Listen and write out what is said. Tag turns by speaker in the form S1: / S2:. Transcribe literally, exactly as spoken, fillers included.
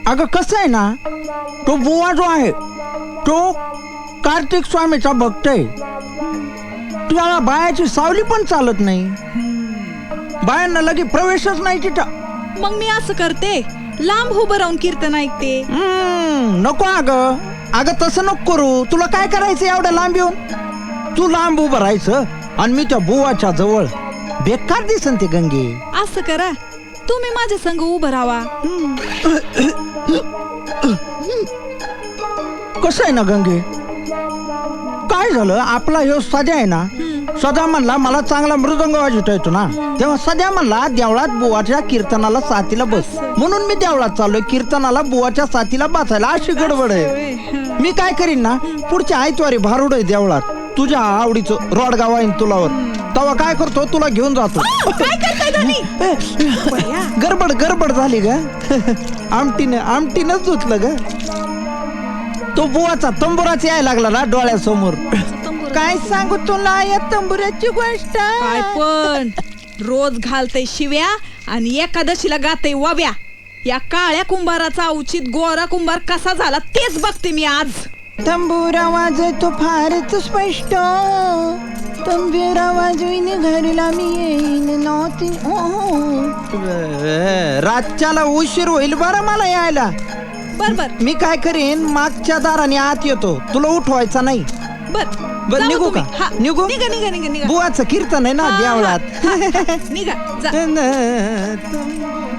S1: अगं कसं आहे ना, तो बुवा जो आहे तो कार्तिक स्वामीचा भक्त आहे. त्याला बायाची सावली पण चालत नाही, बायांना लगे प्रवेशच नाही तिथं.
S2: मग मी असं करते, लांब उभं राहून कीर्तन ऐकते.
S1: हम्म, नको अगं अगं तसं नको करू. तुला काय करायचं एवढ्या लांब येऊन? तू लांब उभं राहायचं आणि मी त्या बुवाच्या जवळ. बेकार दिसन ते गंगे.
S2: असं करा, तुम्ही माझ्या संग उभं राहा.
S1: कसं आहे ना गंगे, काय झालं आपला ह्यो सध्या आहे ना, सध्या म्हणला मला चांगला मृदंग वाजवता येतो ना, तेव्हा सध्या म्हणला देवळात बुवाच्या कीर्तनाला साथीला बस. म्हणून मी देवळात चाललोय कीर्तनाला बुवाच्या साथीला बसायला. अशी गडबड आहे. मी काय करीन ना, पुढच्या आयतवारी भारुड आहे देवळात, तुझ्या आवडीचं रोडगाव आहे तुलावर. तेव्हा काय करतो, तुला घेऊन जातो.
S2: काय करताय धनी?
S1: गडबड गडबड झाली ग. आमटीने आमटीनच धुतलं ग. तो बुवाचा तंबुराच यायला लागला ना डोळ्यासमोर. काय सांगू तुला या तंबुऱ्याची गोष्ट.
S2: काय पण रोज घालतय शिव्या आणि एकादशीला गातय वाब्या. या काळ्या कुंभाराचा उचित गोरा कुंभार कसा झाला तेच बघते मी आज.
S1: तंबुरा वाजतो फारच स्पष्ट, तंबुरा वाजवीन घरला मी येईन नव्हती. रातच्याला उशीर होईल बरं मला यायला.
S2: बर बर
S1: मी काय करीन, मागच्या दाराने आत येतो, तुला उठवायचा नाही.
S2: बर
S1: बर
S2: जावा
S1: निघू
S2: तुम्ही.
S1: का?
S2: हा,
S1: निघू?
S2: निघा निघा निघा निघा.
S1: बुवाचं कीर्तन आहे ना
S2: हा, हा,
S1: देवळात.
S2: हा, हा. निघा जा.